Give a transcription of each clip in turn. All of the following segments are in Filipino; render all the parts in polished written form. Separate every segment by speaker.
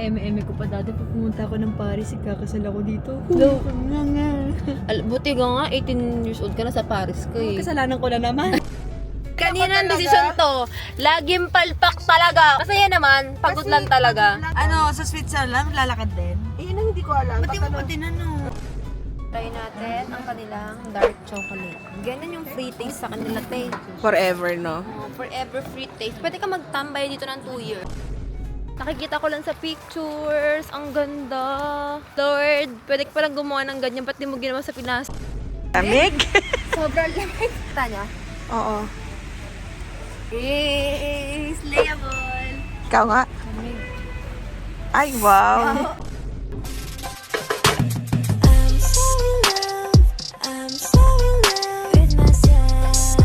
Speaker 1: eme-eme ko pa dati pag pumunta ako ng Paris, ikakasal ako dito. Hello.
Speaker 2: Buti ka nga, 18 years old ka na sa Paris ka eh.
Speaker 1: Kasalanan ko na naman.
Speaker 2: Kanina ang desisyon to, laging palpak talaga. Masaya naman, pagod lang talaga.
Speaker 3: Ano, sa Switzerland, lalakad din?
Speaker 1: Ayun ang hindi ko alam.
Speaker 3: Pati mo pa din ano.
Speaker 2: Try natin ang kanilang dark chocolate. Ganyan yung free taste sa kanila, te.
Speaker 3: Forever, no?
Speaker 2: Oh, forever free taste. Pwede ka magtambay dito ng 2 years. Nakikita ko lang sa pictures. Ang ganda. Lord, pwede ka palang gumawa ng ganyan. Ba't di mo ginawa sa Pinas?
Speaker 3: Lamig?
Speaker 2: Sobrang lamig. Tanya?
Speaker 3: Oo.
Speaker 2: Yes! Layable!
Speaker 3: Ikaw nga? Ay, wow!
Speaker 4: I'm so in love with myself,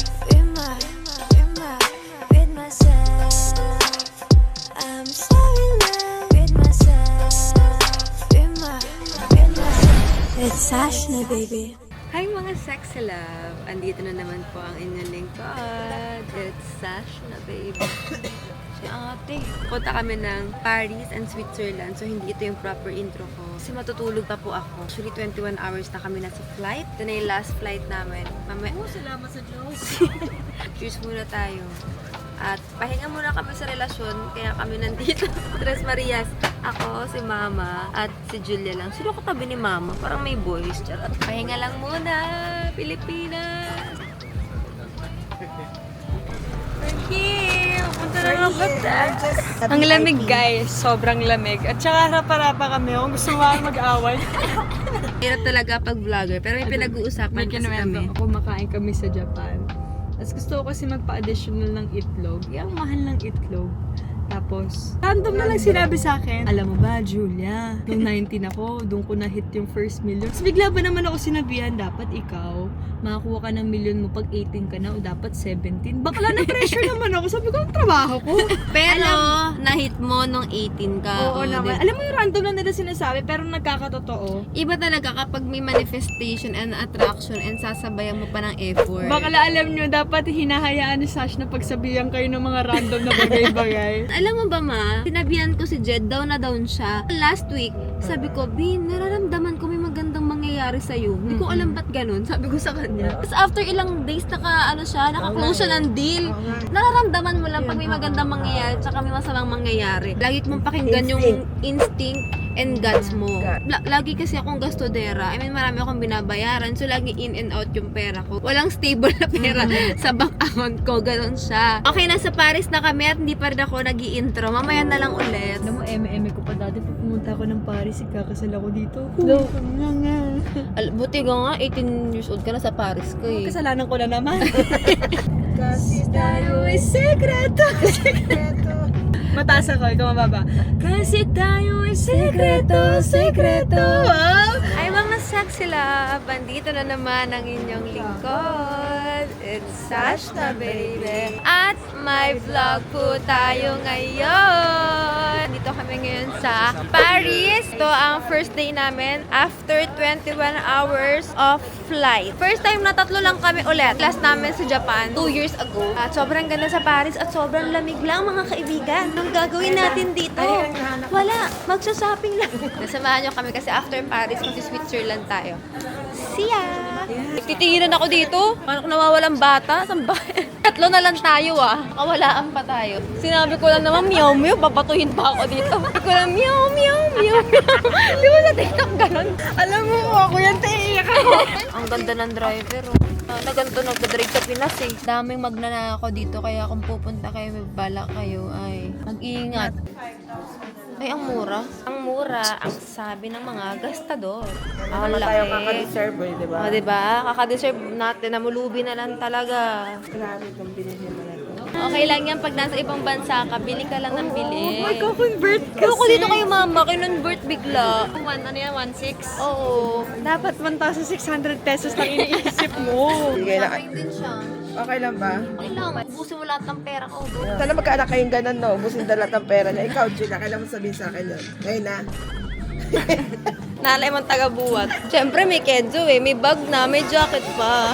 Speaker 4: with myself. I'm so in love with myself, with myself. It's Ashna, baby.
Speaker 2: Hi mga sexy love! Andito na naman po ang inyong lingkod. It's Sashna, baby. Si ate. Punta kami ng Paris and Switzerland. So, hindi ito yung proper intro ko. Kasi matutulog pa po ako. Actually, 21 hours na kami nasa flight. Ito na yung last flight namin.
Speaker 1: Salamat sa Diyos.
Speaker 2: Cheers muna tayo. At pahinga muna kami sa relasyon, kaya kami nandito. Tres Marias, ako, si Mama, at si Julia lang. Sino katabi ni Mama? Parang may boys. Charot. Pahinga lang muna, Pilipinas. We're here! Punta na nga ba?
Speaker 1: Ang lamig guys, sobrang lamig. At saka harap-harapa kami, kung gusto mo mag-away.
Speaker 2: Hirap talaga pag vlogger, pero may pinag-uusapan
Speaker 1: May
Speaker 2: kasi kami.
Speaker 1: kinuwento ako, makain kami sa Japan. Tapos gusto ko kasi magpa-additional ng itlog. Yung mahal ng itlog. Tapos, random na lang sinabi sa akin, alam mo ba, Julia, nung 19 ako, doon ko na-hit yung first million. Tapos bigla ba naman ako sinabihan, dapat ikaw, makakuha ka ng million mo pag 18 ka na o dapat 17. Bakla na pressure naman ako. Sabi ko, ang trabaho ko.
Speaker 2: Pero, na-hit mo nung 18 ka.
Speaker 1: Oo naman. Alam mo yung random lang nila sinasabi, pero nagkakatotoo.
Speaker 2: Iba talaga kapag may manifestation and attraction and sasabayan mo pa ng effort.
Speaker 1: Bakla alam nyo, dapat hinahayaan ni Sash na pagsabihan kayo ng mga random na bagay-bagay.
Speaker 2: Alam mo ba ma, sinabihan ko si Jed, down na down siya. Last week, sabi ko, Bin, nararamdaman ko may magandang mangyayari sa'yo. Hindi ko alam ba't ganun, sabi ko sa kanya. Tapos after ilang days, naka-close siya ng deal. Nararamdaman mo lang pag may magandang mangyayari, tsaka may masamang mangyayari. Lagi mong pakinggan yung instinct and guts mo. Lagi kasi akong gastodera. I mean, marami akong binabayaran. So, lagi in and out yung pera ko. Walang stable na pera sa bank account ko. Ganon siya. Okay, nasa Paris na kami at hindi pa rin ako nag-i-intro. Mamaya na lang ulit.
Speaker 1: Alam mo, eme-eme ko pa dati pag pumunta ako ng Paris, ikakasal ako dito. Hello.
Speaker 2: Buti ka nga, 18 years old ka na sa Paris ka eh.
Speaker 1: Kasalanan ko na naman. Kasi tayo ay sekreto. Mataas ako, ikaw mababa. Kasi tayo ay sekreto, sekreto.
Speaker 2: Ay mga sexy love, bandito na naman ang inyong lingkod. It's Sashna, baby. At may vlog po tayo ngayon. Dito kami ngayon sa Paris. Ito ang first day namin after 21 hours of flight. First time na tatlo lang kami ulit. Last namin sa Japan 2 years ago. At sobrang ganda sa Paris at sobrang lamig lang mga kaibigan. Anong gagawin natin dito? Wala, magsa-shopping lang. Nasamahan nyo kami kasi after Paris, kasi Switzerland tayo. See ya! Titigilan ako dito. Paano kung nawawalang bata? Saan ba? Tatlo na lang tayo ah. Kawalaan pa tayo. Sinabi ko lang naman, meow meow, babatuhin pa ako dito. Sabi ko lang, meow meow meow meow. Di ba sa TikTok ganun?
Speaker 1: Alam mo, ako yan, taiiyak ako.
Speaker 2: Ang ganda ng driver oh. Na ganito nagdadrive sa Pinas eh. Daming magnanakaw dito kaya kung pupunta kayo, may bala kayo ay mag-iingat. Ay, ang mura. Ang mura, ang sabi ng mga gastador. Ang laki.
Speaker 3: Tayo kaka-deserve eh, di ba?
Speaker 2: O, diba? Kaka-deserve natin. Namulubi na lang talaga.
Speaker 3: Grabe kung binili mo na ito.
Speaker 2: Okay lang yan. Pag nasa ibang bansa ka, bili ka lang ng bili.
Speaker 1: Magko-convert kasi.
Speaker 2: Pero kung dito kayo mama, kinonvert bigla.
Speaker 1: Ano yan, 1.6?
Speaker 2: Oo.
Speaker 1: Dapat 1,600 pesos lang iniisip mo.
Speaker 3: Sige na.
Speaker 2: Shopping din siya.
Speaker 3: Okay lang ba?
Speaker 2: Okay lang. Ubusin mo lahat ng pera ko.
Speaker 3: Sana magkaanak kayong ganun, no? Ubusin na lahat ng pera niya. Ikaw, Gina, kailan mo sabihin sa akin yun? Ngayon na.
Speaker 2: Nalay mong taga-buwat. Siyempre may kedyo eh. May bag na, may jacket pa.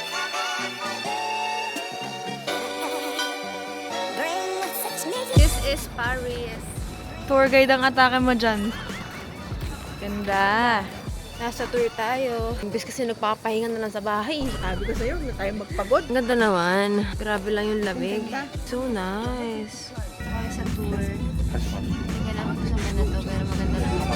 Speaker 2: This is Paris.
Speaker 1: Tour guide ang atake mo dyan.
Speaker 2: Ganda. Nasa tour tayo. Imbes kasi nagpapahinga na lang sa bahay.
Speaker 3: Sabi ko sa'yo, huwag na tayo magpagod.
Speaker 2: Ang ganda naman. Grabe lang yung lamig. So nice. Okay, sa tour. Hindi lang ako sa na to, pero maganda lang ako.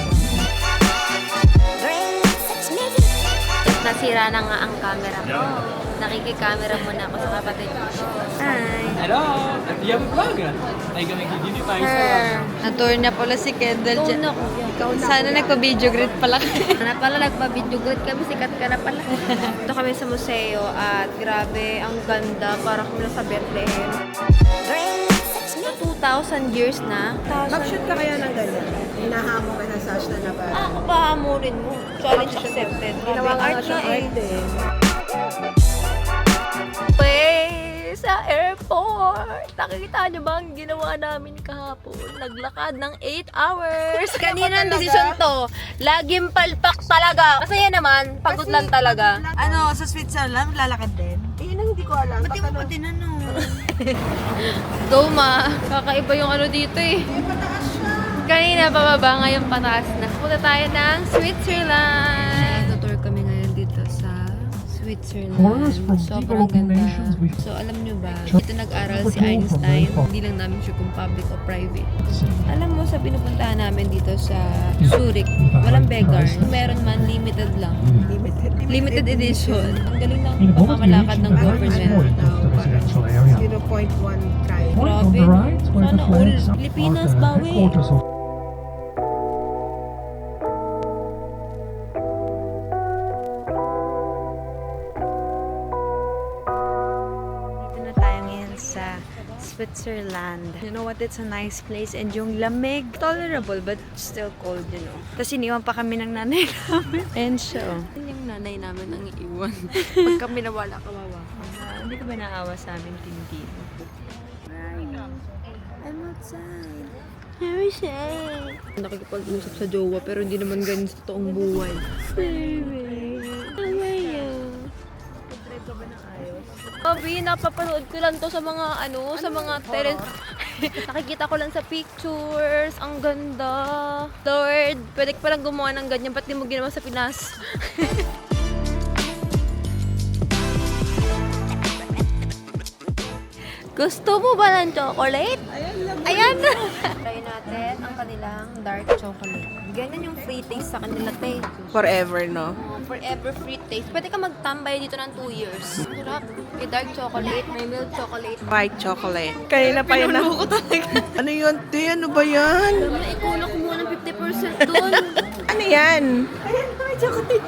Speaker 2: Nasira na nga ang camera ko. Nakiki-camera muna ako sa kapatid ko. Hi!
Speaker 5: Hello! Do you have a vlog? Ay, kami kikini pa isa lang.
Speaker 1: Na-tour niya pala si Kendall dyan. Sana nagpa-video greet pala kayo.
Speaker 2: Na pala nagpa-video good kami, sikat ka na pala. Ito kami sa museo at grabe, ang ganda. Parang kami sa Bethlehem. 2,000 years na.
Speaker 3: Mag-shoot ka kaya ng ganyan. Hinahamon ka na Sash na ba?
Speaker 2: Ako pa hamurin mo. Challenge accepted.
Speaker 3: Ginawa
Speaker 2: Grabe,
Speaker 3: ka nga
Speaker 2: art
Speaker 3: siyang
Speaker 2: na eh.
Speaker 3: art eh.
Speaker 2: Sa airport. Nakikita niyo ba ang ginawa namin kahapon? Naglakad ng 8 hours. Kanina ang desisyon to. Laging palpak talaga. Kasi yan naman, pagod lang talaga.
Speaker 1: Ano, sa Switzerland, lalakad din?
Speaker 3: Yun ang hindi ko alam.
Speaker 1: Pati mo pa tinanong.
Speaker 2: Go ma, kakaiba yung ano dito eh. Kanina pababa, ngayon pataas na. Punta tayo ng Switzerland. Tutor kami ngayon dito sa Switzerland. Sobrang ganda. So alam nyo ba, dito nag-aral si Einstein. Hindi lang namin sure kung public o private. Alam mo sa pinupuntahan namin dito sa Zurich, walang beggar. Meron man, limited lang. Limited edition. Ang galing ng pamamalakad ng government.
Speaker 3: 0.1 try.
Speaker 2: Grabe. Sana all. Pilipinas, bawi. Dito na tayo ngayon sa Switzerland. You know what? It's a nice place and yung lamig, tolerable but still cold, you know. Tapos iniwan pa kami ng nanay namin. And so, yung nanay namin ang iiwan. Pag kami nawala, kawawa. Hindi ka ba naawa sa amin, Tintin? I'm outside. Very sad. Nakikipag-usap sa jowa pero hindi naman ganun sa toong buhay. Baby, how are you? Nag-drive ka ba ng ayos? Sabi, napapanood ko lang to sa mga sa mga nakikita ko lang sa pictures. Ang ganda. Lord, pwede ka palang gumawa ng ganyan. Ba't di mo ginawa sa Pinas? Gusto mo ba ng chocolate? Ayan na! Try natin ang kanilang dark chocolate. Ganyan yung free taste sa kanila, te.
Speaker 3: Forever, no?
Speaker 2: Forever free taste. Pwede ka magtambay dito ng 2 years. Sarap. May dark chocolate, may milk chocolate.
Speaker 3: White chocolate. Kanina pa yun na. Ano yun? Te, ano ba yan?
Speaker 2: Naikulok mo ng 50% dun.
Speaker 3: Ano yan?
Speaker 2: May chocolate.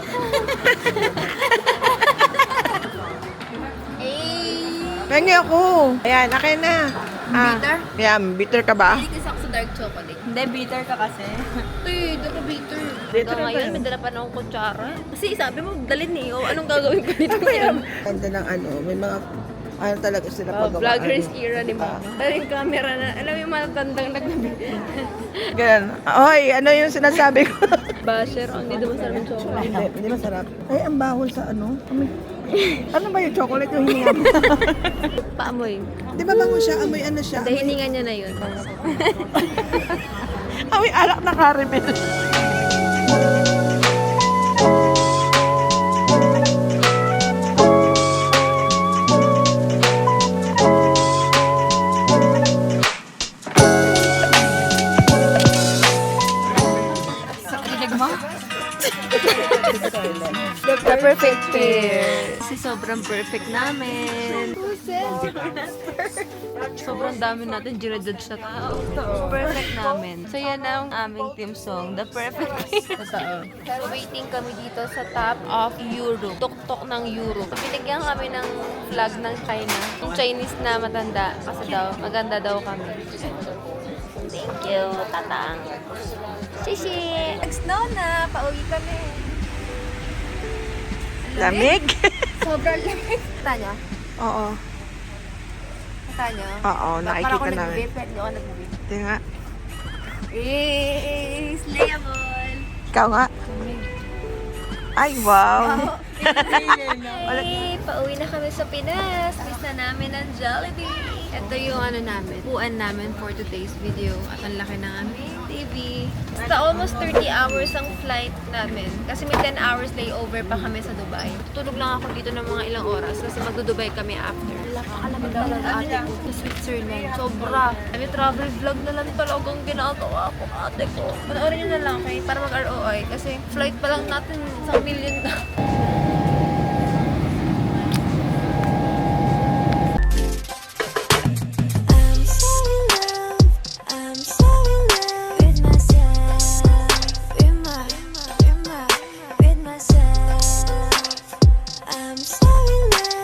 Speaker 3: Pengi ako. Ayan, akin na.
Speaker 2: Bitter?
Speaker 3: Yan, bitter ka ba?
Speaker 2: Hindi kasi ako sa dark chocolate.
Speaker 1: Hindi, bitter ka kasi.
Speaker 2: Hindi ka bitter.
Speaker 3: Bitter
Speaker 2: Hanggang ngayon,
Speaker 3: ba?
Speaker 2: may dala pa na akong kutsara. Kasi sabi mo, dalhin eh. O, anong gagawin ko dito ngayon?
Speaker 3: Ganda ng ano, may mga ano talaga sila pagawa.
Speaker 2: Vloggers era ni Mama. Pero yung camera na, alam mo yung matatandang nagnabi.
Speaker 3: Ganun. Oy, ano yung sinasabi ko?
Speaker 2: Basher, ang hindi naman sarap yung chocolate.
Speaker 3: Hindi masarap. Ay, ang bawal sa ano. Ano ba yung chocolate yung hininga mo?
Speaker 2: Paamoy.
Speaker 3: Di ba bango siya? Amoy ano siya?
Speaker 2: Dahil hininga niya na yun.
Speaker 3: Amoy alak na caramel.
Speaker 2: The perfect pair. Kasi sobrang perfect namin. Sobrang dami natin ginajudge na tao. Perfect namin. So yan ang aming team song, The Perfect Pair. Waiting kami dito sa top of Europe. Tuktok ng Europe. Binigyan kami ng flag ng China. Yung Chinese na matanda. Kasi daw, maganda daw kami. Thank you, tatang. Shishi! Nag-snow na. Pauwi kami.
Speaker 3: Lamig?
Speaker 2: Sobrang lamig. Kita nyo?
Speaker 3: Oo.
Speaker 2: Kita nyo?
Speaker 3: Oo, nakikita namin.
Speaker 2: Parang ako nag-vape, pero hindi ako nag-vape.
Speaker 3: Hindi nga.
Speaker 2: Slayable!
Speaker 3: Ikaw nga. Ay, wow.
Speaker 2: Hey, pauwi na kami sa Pinas. Miss na namin ang Jollibee. Ito yung ano namin, upuan namin for today's video. At ang laki ng aming TV. Basta almost 30 hours ang flight namin. Kasi may 10 hours layover pa kami sa Dubai. Tutulog lang ako dito ng mga ilang oras kasi magdo-Dubai kami after. Napakalamig talaga ate ko sa Switzerland. Sobra. May travel vlog na lang talagang ginagawa ko ate ko. Panoorin nyo na lang okay para mag-ROI kasi flight pa lang natin 1 million na.